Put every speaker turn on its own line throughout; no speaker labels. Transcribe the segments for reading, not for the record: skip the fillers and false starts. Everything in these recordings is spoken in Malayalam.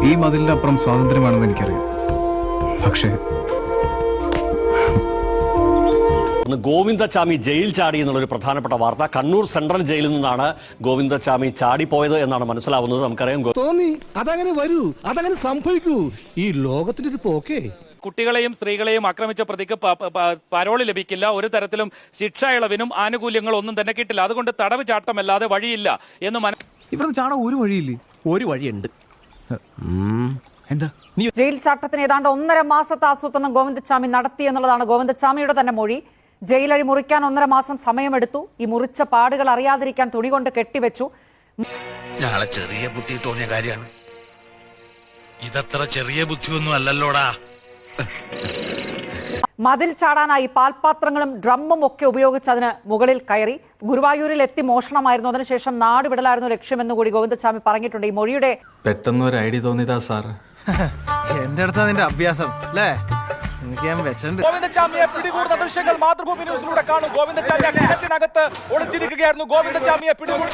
ഈ മതിലിന്റെ അപ്പുറം സ്വാതന്ത്ര്യമാണെന്ന് എനിക്കറിയാം. പക്ഷേ
ഗോവിന്ദച്ചാമി ജയിൽ ചാടി എന്നുള്ളൊരു പ്രധാനപ്പെട്ട വാർത്ത. കണ്ണൂർ സെൻട്രൽ ജയിലിൽ നിന്നാണ് ഗോവിന്ദച്ചാമി ചാടിപ്പോയത് എന്നാണ് മനസ്സിലാവുന്നത്. നമുക്കറിയാം
തോന്നി അതങ്ങനെ വരൂ, അതങ്ങനെ സംഭവിക്കൂ. ഈ ലോകത്തിന്റെ ഒരു പോക്കേ.
കുട്ടികളെയും സ്ത്രീകളെയും ആക്രമിച്ച പ്രതിക്ക് പരോള് ലഭിക്കില്ല. ഒരു തരത്തിലും ശിക്ഷ ഇളവിനും ആനുകൂല്യങ്ങളും ഒന്നും തന്നെ കിട്ടില്ല. അതുകൊണ്ട് തടവ് ചാട്ടമല്ലാതെ വഴിയില്ല എന്ന്
ഇവിടെ ചാടാൻ ഒരു വഴിയില്ലേ? ഒരു വഴിയുണ്ട്. എന്താ?
ജയിൽ ചാട്ടത്തിന് ഏതാണ്ട് 1.5 മാസത്തെ ആസൂത്രണം ഗോവിന്ദച്ചാമി നടത്തി എന്നുള്ളതാണ് ഗോവിന്ദച്ചാമിയുടെ തന്നെ മൊഴി. ജയിലഴി മുറിക്കാൻ 1.5 മാസം സമയമെടുത്തു. ഈ മുറിച്ച പാടുകൾ അറിയാതിരിക്കാൻ തുണി കൊണ്ട് കെട്ടിവെച്ചു.
ചെറിയ ബുദ്ധി തോന്നിയ കാര്യമാണ്.
ഇതത്ര ചെറിയ ബുദ്ധിയൊന്നും അല്ലല്ലോടാ.
മതിൽ ചാടാനായി പാൽപാത്രങ്ങളും ഡ്രമ്മും ഒക്കെ ഉപയോഗിച്ച് അതിന് മുകളിൽ കയറി. ഗുരുവായൂരിൽ എത്തി മോഷണമായിരുന്നു. അതിനുശേഷം നാടുവിടലായിരുന്നു ലക്ഷ്യമെന്ന് കൂടി ഗോവിന്ദച്ചാമി പറഞ്ഞിട്ടുണ്ട്. ഈ മൊഴിയുടെ
പെട്ടെന്ന് ഒരു ഐഡിയ തോന്നിയതാ സാർ.
എന്റെ അടുത്താ നിന്റെ അഭ്യാസം അല്ലേ? എനിക്ക് ഞാൻ വെച്ചിട്ടുണ്ട്.
ഗോവിന്ദച്ചാമിയെ പിടികൂടുന്ന ദൃശ്യങ്ങൾ മാതൃഭൂമി ന്യൂസിലൂടെ കാണും. ഗോവിന്ദച്ചാമി കിണറ്റിനകത്ത് ഒളിച്ചിരിക്കുകയായിരുന്നു. ഗോവിന്ദച്ചാമിയെ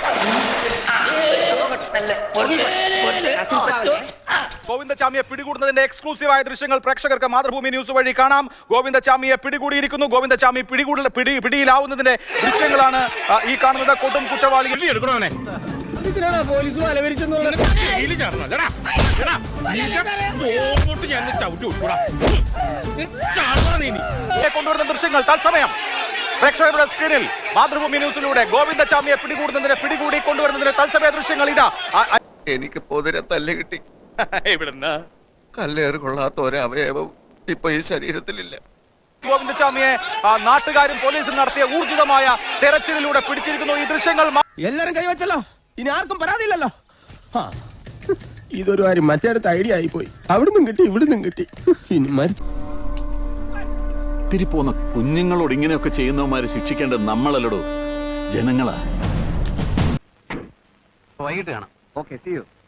പിടികൂടുന്നതിന്റെ എക്സ്ക്ലൂസീവായ ദൃശ്യങ്ങൾ പ്രേക്ഷകർക്ക് മാതൃഭൂമി ന്യൂസ് വഴി കാണാം. ഗോവിന്ദച്ചാമിയെ പിടികൂടിയിരിക്കുന്നു. ഗോവിന്ദച്ചാമി പിടിയിലാവുന്നതിന്റെ ദൃശ്യങ്ങളാണ് ഈ കാണുന്നത്. കൊടും കുറ്റവാളികൾ
പോലീസ്
കൊണ്ടുവരുന്ന ദൃശ്യങ്ങൾ തത്സമയം പ്രേക്ഷകരുടെ സ്ക്രീനിൽ മാതൃഭൂമി ന്യൂസിലൂടെ ഗോവിന്ദച്ചാമിയെ പിടികൂടി കൊണ്ടുവരുന്നതിന് തത്സമയ ദൃശ്യങ്ങൾ ഇതാ.
എനിക്ക് പൊതിരെ തല്ല് കിട്ടി.
ഇവിടുന്ന്
കല്ലേറ് കൊള്ളാത്ത ഒരവയവം ഇപ്പൊ ഈ ശരീരത്തിലില്ല.
ഗോവിന്ദച്ചാമിയെ നാട്ടുകാരും പോലീസും നടത്തിയ ഊർജിതമായ തെരച്ചിലിലൂടെ പിടിച്ചിരിക്കുന്നു. ഈ ദൃശ്യങ്ങൾ
എല്ലാരും കൈവച്ചല്ലോ, ഇനി ആർക്കും പരാതിയില്ലല്ലോ.
ഇതൊരു കാര്യം മറ്റേടത്ത് ഐഡിയ ആയിപ്പോയി. അവിടുന്നും കിട്ടി ഇവിടുന്നും കിട്ടി. ഇനി
ഇത്തിരി പോന്ന കുഞ്ഞുങ്ങളോട് ഇങ്ങനെയൊക്കെ ചെയ്യുന്നവന്മാരെ ശിക്ഷിക്കേണ്ടത് നമ്മളല്ലടോ, ജനങ്ങളാ.
വൈകിട്ട് കാണാം. Okay, see U.